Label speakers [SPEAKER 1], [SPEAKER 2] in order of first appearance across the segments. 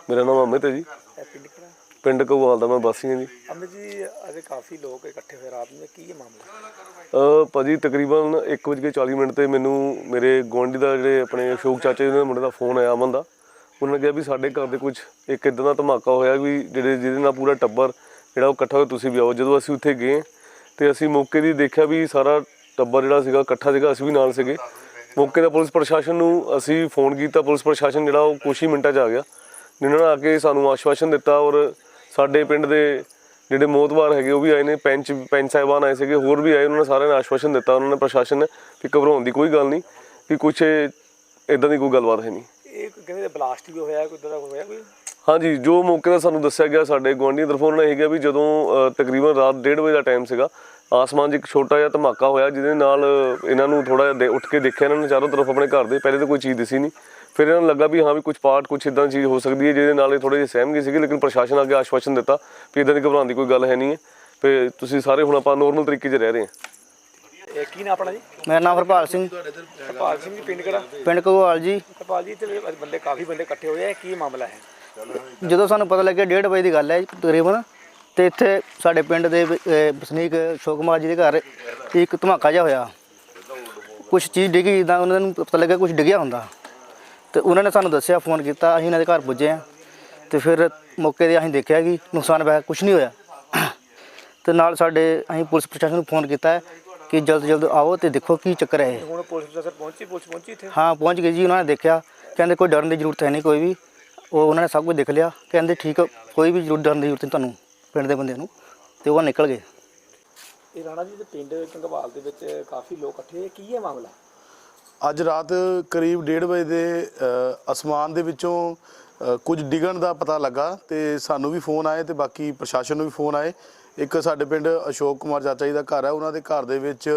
[SPEAKER 1] मेरा नाम अमित है जी। पिंड घगवाल ਦਾ मैं वासी हाँ जी।
[SPEAKER 2] अमित जी अजे काफ़ी लोग इकट्ठे हुए रात में की मामला
[SPEAKER 1] ਭਾਜੀ ਤਕਰੀਬਨ 1:40 ਤੇ ਮੈਨੂੰ ਮੇਰੇ ਗੁਆਂਢੀ ਦਾ ਜਿਹੜੇ ਆਪਣੇ ਅਸ਼ੋਕ ਚਾਚੇ ਦੇ ਮੁੰਡੇ ਦਾ ਫੋਨ ਆਇਆ ਅਮਨ ਦਾ। ਉਹਨਾਂ ਨੇ ਕਿਹਾ ਵੀ ਸਾਡੇ ਘਰ ਦੇ ਕੁਝ ਇੱਕ ਇੱਦਾਂ ਦਾ ਧਮਾਕਾ ਹੋਇਆ ਵੀ ਜਿਹਦੇ ਨਾਲ ਪੂਰਾ ਟੱਬਰ ਜਿਹੜਾ ਉਹ ਇਕੱਠਾ ਹੋਇਆ, ਤੁਸੀਂ ਵੀ ਆਓ। ਜਦੋਂ ਅਸੀਂ ਉੱਥੇ ਗਏ ਤੇ ਅਸੀਂ ਮੌਕੇ ਦੀ ਦੇਖਿਆ ਵੀ ਸਾਰਾ ਟੱਬਰ ਜਿਹੜਾ ਸੀਗਾ ਇਕੱਠਾ ਸੀਗਾ, ਅਸੀਂ ਵੀ ਨਾਲ ਸੀਗੇ। ਮੌਕੇ ਦਾ ਪੁਲਿਸ ਪ੍ਰਸ਼ਾਸਨ ਨੂੰ ਅਸੀਂ ਫੋਨ ਕੀਤਾ, ਪੁਲਿਸ ਪ੍ਰਸ਼ਾਸਨ ਜਿਹੜਾ ਉਹ ਕੁਛ ਹੀ ਮਿੰਟਾਂ 'ਚ ਆ ਗਿਆ, ਜਿਨ੍ਹਾਂ ਨੇ ਆ ਕੇ ਸਾਨੂੰ ਆਸ਼ਵਾਸਨ ਦਿੱਤਾ। ਔਰ ਸਾਡੇ ਪਿੰਡ ਦੇ ਜਿਹੜੇ ਮੋਹਤਬਾਰ ਹੈਗੇ ਉਹ ਵੀ ਆਏ ਨੇ, ਪੈਂਚ ਸਾਹਿਬਾਨ ਆਏ ਸੀਗੇ, ਹੋਰ ਵੀ ਆਏ। ਉਹਨਾਂ ਨੇ ਸਾਰਿਆਂ ਨੇ ਆਸ਼ਵਾਸਨ ਦਿੱਤਾ, ਉਹਨਾਂ ਨੇ ਪ੍ਰਸ਼ਾਸਨ ਨੇ ਵੀ ਘਬਰਾਉਣ ਦੀ ਕੋਈ ਗੱਲ ਨਹੀਂ, ਵੀ ਕੁਛ ਇੱਦਾਂ ਦੀ ਕੋਈ ਗੱਲਬਾਤ ਹੈ ਨਹੀਂ।
[SPEAKER 2] ਇਹ ਕਹਿੰਦੇ ਬਲਾਸਟ ਵੀ ਹੋਇਆ, ਕੋਈ ਇੱਦਾਂ ਦਾ ਹੋਇਆ ਕੋਈ?
[SPEAKER 1] ਹਾਂਜੀ, ਜੋ ਮੌਕੇ ਦਾ ਸਾਨੂੰ ਦੱਸਿਆ ਗਿਆ ਸਾਡੇ ਗੁਆਂਢੀ ਤਰਫੋਂ, ਉਹਨਾਂ ਨੇ ਇਹ ਕਿਹਾ ਵੀ ਜਦੋਂ ਤਕਰੀਬਨ ਰਾਤ 1:30 ਵਜੇ ਦਾ ਟਾਈਮ ਸੀਗਾ, ਆਸਮਾਨ 'ਚ ਇੱਕ ਛੋਟਾ ਜਿਹਾ ਧਮਾਕਾ ਹੋਇਆ, ਜਿਹਦੇ ਨਾਲ ਇਹਨਾਂ ਨੂੰ ਥੋੜ੍ਹਾ ਜਿਹਾ ਉੱਠ ਕੇ ਦੇਖਿਆ ਇਹਨਾਂ ਨੇ ਚਾਰੋਂ ਤਰਫ ਆਪਣੇ ਘਰ ਦੇ। ਪਹਿਲੇ ਤਾਂ ਕੋਈ ਚੀਜ਼ ਦਿਸੀ ਨਹੀਂ, ਫਿਰ ਇਹਨਾਂ ਨੂੰ ਲੱਗਾ ਵੀ ਹਾਂ ਵੀ ਕੁਛ ਪਾਰਟ ਕੁਛ ਇੱਦਾਂ ਦੀ ਚੀਜ਼ ਹੋ ਸਕਦੀ ਹੈ, ਜਿਹਦੇ ਨਾਲ ਇਹ ਥੋੜ੍ਹੇ ਜਿਹੇ ਸਹਿਮ ਗਏ ਸੀਗੇ। ਲੇਕਿਨ ਪ੍ਰਸ਼ਾਸਨ ਅੱਗੇ ਆਸ਼ਵਾਸਨ ਦਿੱਤਾ ਵੀ ਇੱਦਾਂ ਦੀ ਘਬਰਾਉਣ ਦੀ ਕੋਈ ਗੱਲ ਹੈ ਨਹੀਂ ਹੈ, ਵੀ ਤੁਸੀਂ ਸਾਰੇ ਹੁਣ ਆਪਾਂ ਨੋਰਮਲ ਤਰੀਕੇ 'ਚ ਰਹਿ ਰਹੇ ਹਾਂ।
[SPEAKER 2] ਕੀ ਨਾਮ ਆਪਣਾ ਜੀ?
[SPEAKER 3] ਮੇਰਾ ਨਾਮ ਹਰਪਾਲ ਸਿੰਘ।
[SPEAKER 2] ਹਰਪਾਲ ਸਿੰਘ ਜੀ, ਪਿੰਡ ਕਿਹੜਾ?
[SPEAKER 3] ਪਿੰਡ ਘਗਵਾਲ ਜੀ।
[SPEAKER 2] ਹਰਪਾਲ ਜੀ, ਤੇ ਬੰਦੇ ਕਾਫੀ ਬੰਦੇ ਇਕੱਠੇ ਹੋਏ ਆ, ਕੀ ਮਾਮਲਾ ਹੈ?
[SPEAKER 3] ਜਦੋਂ ਸਾਨੂੰ ਪਤਾ ਲੱਗਿਆ 1:30 ਵਜੇ ਦੀ ਗੱਲ ਹੈ ਤਕਰੀਬਨ, ਤੇ ਇੱਥੇ ਸਾਡੇ ਪਿੰਡ ਦੇ ਵਸਨੀਕ ਅਸ਼ੋਕ ਕੁਮਾਰ ਜੀ ਦੇ ਘਰ ਇੱਕ ਧਮਾਕਾ ਜਿਹਾ ਹੋਇਆ। ਕੁਛ ਚੀਜ਼ ਡਿੱਗੀ, ਜਿੱਦਾਂ ਉਹਨਾਂ ਨੂੰ ਪਤਾ ਲੱਗਿਆ ਕੁਛ ਡਿੱਗਿਆ ਹੁੰਦਾ, ਤੇ ਉਹਨਾਂ ਨੇ ਸਾਨੂੰ ਦੱਸਿਆ, ਫੋਨ ਕੀਤਾ। ਅਸੀਂ ਇਹਨਾਂ ਦੇ ਘਰ ਪੁੱਜੇ ਹਾਂ, ਤੇ ਫਿਰ ਮੌਕੇ 'ਤੇ ਅਸੀਂ ਦੇਖਿਆ ਕਿ ਨੁਕਸਾਨ ਵੈਸੇ ਕੁਛ ਨਹੀਂ ਹੋਇਆ। ਤੇ ਨਾਲ ਸਾਡੇ ਅਸੀਂ ਪੁਲਿਸ ਪ੍ਰਸ਼ਾਸਨ ਨੂੰ ਫੋਨ ਕੀਤਾ ਹੈ ਕਿ ਜਲਦ ਆਓ ਤੇ ਦੇਖੋ ਕੀ ਚੱਕਰ ਹੈ।
[SPEAKER 2] ਹੁਣ ਪੁਲਿਸ ਪ੍ਰਸ਼ਾਸਨ ਪਹੁੰਚੀ ਇੱਥੇ?
[SPEAKER 3] ਹਾਂ, ਪਹੁੰਚ ਗਏ ਜੀ। ਉਹਨਾਂ ਨੇ ਦੇਖਿਆ, ਕਹਿੰਦੇ ਕੋਈ ਡਰਨ ਦੀ ਜ਼ਰੂਰਤ ਹੈ ਨਹੀਂ ਕੋਈ ਵੀ। ਉਹ ਉਹਨਾਂ ਨੇ ਸਭ ਕੁਝ ਦੇਖ ਲਿਆ, ਕਹਿੰਦੇ ਠੀਕ, ਕੋਈ ਵੀ ਡਰਨ ਦੀ ਜ਼ਰੂਰਤ ਨਹੀਂ ਤੁਹਾਨੂੰ ਪਿੰਡ ਦੇ ਬੰਦਿਆਂ ਨੂੰ, ਤੇ ਉਹ ਨਿਕਲ ਗਏ।
[SPEAKER 2] ਇਹ ਰਾਣਾ ਜੀ ਦੇ ਪਿੰਡ ਘਗਵਾਲ ਦੇ ਵਿੱਚ ਕਾਫੀ ਲੋਕ ਇਕੱਠੇ ਹੋਏ, ਕੀ ਹੈ ਮਾਮਲਾ?
[SPEAKER 4] ਅੱਜ ਰਾਤ ਕਰੀਬ 1:30 ਵਜੇ ਦੇ ਅਸਮਾਨ ਦੇ ਵਿੱਚੋਂ ਕੁਝ ਡਿੱਗਣ ਦਾ ਪਤਾ ਲੱਗਾ, ਤੇ ਸਾਨੂੰ ਵੀ ਫੋਨ ਆਏ ਤੇ ਬਾਕੀ ਪ੍ਰਸ਼ਾਸਨ ਨੂੰ ਵੀ ਫੋਨ ਆਏ। ਇੱਕ ਸਾਡੇ ਪਿੰਡ ਅਸ਼ੋਕ ਕੁਮਾਰ ਚਾਚਾ ਜੀ ਦਾ ਘਰ ਹੈ, ਉਹਨਾਂ ਦੇ ਘਰ ਦੇ ਵਿੱਚ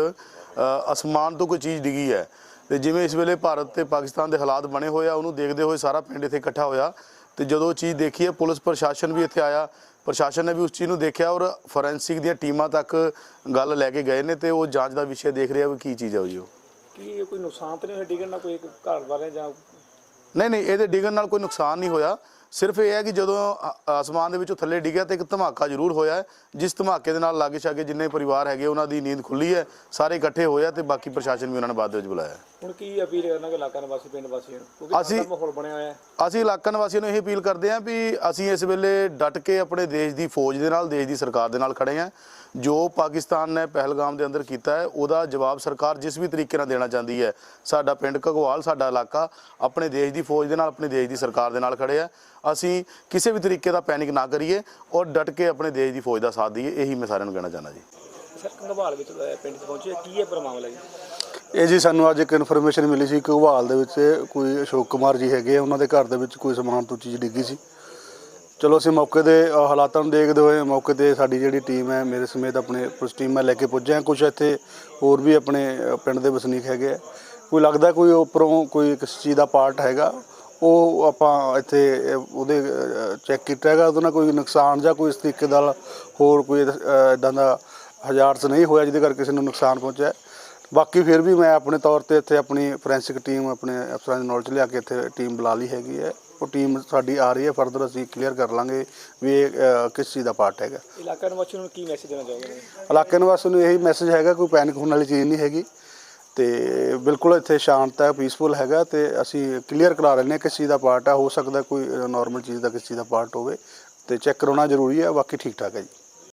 [SPEAKER 4] ਅਸਮਾਨ ਤੋਂ ਕੋਈ ਚੀਜ਼ ਡਿੱਗੀ ਹੈ। ਤੇ ਜਿਵੇਂ ਇਸ ਵੇਲੇ ਭਾਰਤ ਤੇ ਪਾਕਿਸਤਾਨ ਦੇ ਹਾਲਾਤ ਬਣੇ ਹੋਏ ਆ, ਉਹਨੂੰ ਦੇਖਦੇ ਹੋਏ ਸਾਰਾ ਪਿੰਡ ਇੱਥੇ ਇਕੱਠਾ ਹੋਇਆ। ਤੇ ਜਦੋਂ ਉਹ ਚੀਜ਼ ਦੇਖੀ ਹੈ, ਪੁਲਿਸ ਪ੍ਰਸ਼ਾਸਨ ਵੀ ਇੱਥੇ ਆਇਆ, ਪ੍ਰਸ਼ਾਸਨ ਨੇ ਵੀ ਉਸ ਚੀਜ਼ ਨੂੰ ਦੇਖਿਆ, ਔਰ ਫੋਰੈਂਸਿਕ ਦੀਆਂ ਟੀਮਾਂ ਤੱਕ ਗੱਲ ਲੈ ਕੇ ਗਏ ਨੇ, ਤੇ ਉਹ ਜਾਂਚ ਦਾ ਵਿਸ਼ਾ ਦੇਖ ਰਿਹਾ ਵੀ ਕੀ ਚੀਜ਼ ਹੈ ਉਹ।
[SPEAKER 2] ਕੀ ਕੋਈ ਨੁਕਸਾਨ ਤਾਂ ਨਹੀਂ ਹੋਇਆ ਡਿੱਗਣ ਨਾਲ, ਕੋਈ ਘਰ ਵਾਲੇ ਜਾਂ?
[SPEAKER 4] ਨਹੀਂ, ਇਹਦੇ ਡਿੱਗਣ ਨਾਲ ਕੋਈ ਨੁਕਸਾਨ ਨਹੀਂ ਹੋਇਆ। ਸਿਰਫ ਇਹ ਹੈ ਕਿ ਜਦੋਂ ਆਸਮਾਨ ਦੇ ਵਿੱਚੋਂ ਥੱਲੇ ਡਿੱਗਿਆ ਤਾਂ ਇੱਕ ਧਮਾਕਾ ਜ਼ਰੂਰ ਹੋਇਆ ਹੈ, ਜਿਸ ਧਮਾਕੇ ਦੇ ਨਾਲ ਲਾਗੇ ਛਾਗੇ ਜਿੰਨੇ ਪਰਿਵਾਰ ਹੈਗੇ ਉਹਨਾਂ ਦੀ ਨੀਂਦ ਖੁੱਲੀ ਹੈ, ਸਾਰੇ ਇਕੱਠੇ ਹੋਏ ਆ, ਤੇ ਬਾਕੀ ਪ੍ਰਸ਼ਾਸਨ ਵੀ ਉਹਨਾਂ ਨੇ ਬਾਅਦ ਦੇ ਵਿੱਚ ਬੁਲਾਇਆ।
[SPEAKER 2] ਹੁਣ ਕੀ ਅਪੀਲ ਕਰਨਾ ਕਿ ਇਲਾਕਾ ਨਿਵਾਸੀ, ਪਿੰਡ ਵਾਸੀਆਂ ਨੂੰ, ਕਿਉਂਕਿ ਮਾਹੌਲ ਬਣਿਆ ਹੋਇਆ ਹੈ?
[SPEAKER 4] ਅਸੀਂ ਇਲਾਕਾ ਨਿਵਾਸੀਆਂ ਨੂੰ ਇਹ ਅਪੀਲ ਕਰਦੇ ਹਾਂ ਵੀ ਅਸੀਂ ਇਸ ਵੇਲੇ ਡਟ ਕੇ ਆਪਣੇ ਦੇਸ਼ ਦੀ ਫੌਜ ਦੇ ਨਾਲ, ਦੇਸ਼ ਦੀ ਸਰਕਾਰ ਦੇ ਨਾਲ ਖੜੇ ਹਾਂ। ਜੋ ਪਾਕਿਸਤਾਨ ਨੇ ਪਹਿਲਗਾਮ ਦੇ ਅੰਦਰ ਕੀਤਾ ਹੈ, ਉਹਦਾ ਜਵਾਬ ਸਰਕਾਰ ਜਿਸ ਵੀ ਤਰੀਕੇ ਨਾਲ ਦੇਣਾ ਚਾਹੁੰਦੀ ਹੈ। ਸਾਡਾ ਪਿੰਡ ਘਗਵਾਲ, ਸਾਡਾ ਇਲਾਕਾ ਆਪਣੇ ਦੇਸ਼ ਦੀ ਫੌਜ ਦੇ ਨਾਲ, ਆਪਣੇ ਦੇਸ਼ ਦੀ ਸਰਕਾਰ ਦੇ ਨਾਲ ਖੜੇ ਆ। ਅਸੀਂ ਕਿਸੇ ਵੀ ਤਰੀਕੇ ਦਾ ਪੈਨਿਕ ਨਾ ਕਰੀਏ, ਔਰ ਡਟ ਕੇ ਆਪਣੇ ਦੇਸ਼ ਦੀ ਫੌਜ ਦਾ ਸਾਥ ਦਈਏ, ਇਹੀ ਮੈਂ ਸਾਰਿਆਂ ਨੂੰ ਕਹਿਣਾ ਚਾਹੁੰਦਾ ਜੀ।
[SPEAKER 2] ਸਰ, ਘਗਵਾਲ ਵਿੱਚ ਪਿੰਡ 'ਚ ਪਹੁੰਚੇ, ਕੀ ਹੈ ਪੂਰਾ ਮਾਮਲਾ ਜੀ?
[SPEAKER 5] ਇਹ ਜੀ ਸਾਨੂੰ ਅੱਜ ਇੱਕ ਇਨਫੋਰਮੇਸ਼ਨ ਮਿਲੀ ਸੀ, ਘਗਵਾਲ ਦੇ ਵਿੱਚ ਕੋਈ ਅਸ਼ੋਕ ਕੁਮਾਰ ਜੀ ਹੈਗੇ, ਉਹਨਾਂ ਦੇ ਘਰ ਦੇ ਵਿੱਚ ਕੋਈ ਸਮਾਨ ਤੋਂ ਚੀਜ਼ ਡਿੱਗੀ ਸੀ। ਚਲੋ ਅਸੀਂ ਮੌਕੇ ਦੇ ਹਾਲਾਤਾਂ ਨੂੰ ਦੇਖਦੇ ਹੋਏ ਮੌਕੇ 'ਤੇ ਸਾਡੀ ਜਿਹੜੀ ਟੀਮ ਹੈ, ਮੇਰੇ ਸਮੇਤ ਆਪਣੇ ਪੁਲਿਸ ਟੀਮ ਮੈਂ ਲੈ ਕੇ ਪੁੱਜੇ ਹਾਂ। ਕੁਛ ਇੱਥੇ ਹੋਰ ਵੀ ਆਪਣੇ ਪਿੰਡ ਦੇ ਵਸਨੀਕ ਹੈਗੇ ਆ, ਕੋਈ ਲੱਗਦਾ ਕੋਈ ਉੱਪਰੋਂ ਕੋਈ ਕਿਸ ਚੀਜ਼ ਦਾ ਪਾਰਟ ਹੈਗਾ, ਉਹ ਆਪਾਂ ਇੱਥੇ ਉਹਦੇ ਚੈੱਕ ਕੀਤਾ ਹੈਗਾ। ਉਹਦੇ ਨਾਲ ਕੋਈ ਨੁਕਸਾਨ ਜਾਂ ਕੋਈ ਇਸ ਤਰੀਕੇ ਦਾ ਹੋਰ ਕੋਈ ਇੱਦਾਂ ਦਾ ਹਜ਼ਾਰਤ ਨਹੀਂ ਹੋਇਆ ਜਿਹਦੇ ਕਰਕੇ ਕਿਸੇ ਨੂੰ ਨੁਕਸਾਨ ਪਹੁੰਚਿਆ। ਬਾਕੀ ਫਿਰ ਵੀ ਮੈਂ ਆਪਣੇ ਤੌਰ 'ਤੇ ਇੱਥੇ ਆਪਣੀ ਫੋਰੈਂਸਿਕ ਟੀਮ ਆਪਣੇ ਅਫਸਰਾਂ ਦੀ ਨੌਲੇਜ ਲਿਆ ਕੇ ਇੱਥੇ ਟੀਮ ਬੁਲਾ ਲਈ ਹੈਗੀ ਹੈ। ਉਹ ਟੀਮ ਸਾਡੀ ਆ ਰਹੀ ਹੈ, ਫਰਦਰ ਅਸੀਂ ਕਲੀਅਰ ਕਰ ਲਾਂਗੇ ਵੀ ਇਹ ਕਿਸ ਚੀਜ਼ ਦਾ ਪਾਰਟ ਹੈਗਾ।
[SPEAKER 2] ਇਲਾਕਾ ਨਿਵਾਸੀਆਂ ਨੂੰ ਕੀ ਮੈਸੇਜ ਦੇਣਾ ਚਾਹੋਗੇ?
[SPEAKER 5] ਇਲਾਕੇ ਨਿਵਾਸੀਆਂ ਨੂੰ ਇਹੀ ਮੈਸੇਜ ਹੈਗਾ, ਕੋਈ ਪੈਨਿਕ ਹੋਣ ਵਾਲੀ ਚੀਜ਼ ਨਹੀਂ ਹੈਗੀ, ਤੇ ਬਿਲਕੁਲ ਇੱਥੇ ਸ਼ਾਂਤ ਹੈ, ਪੀਸਫੁਲ ਹੈਗਾ, ਤੇ ਅਸੀਂ ਕਲੀਅਰ ਕਰਾ ਲੈਂਦੇ ਹਾਂ ਕਿਸ ਚੀਜ਼ ਦਾ ਪਾਰਟ ਹੈ। ਹੋ ਸਕਦਾ ਕੋਈ ਨਾਰਮਲ ਚੀਜ਼ ਦਾ ਕਿਸ ਚੀਜ਼ ਦਾ ਪਾਰਟ ਹੋਵੇ, ਤੇ ਚੈੱਕ ਕਰਾਉਣਾ ਜ਼ਰੂਰੀ ਹੈ। ਬਾਕੀ ਠੀਕ ਠਾਕ ਹੈ ਜੀ।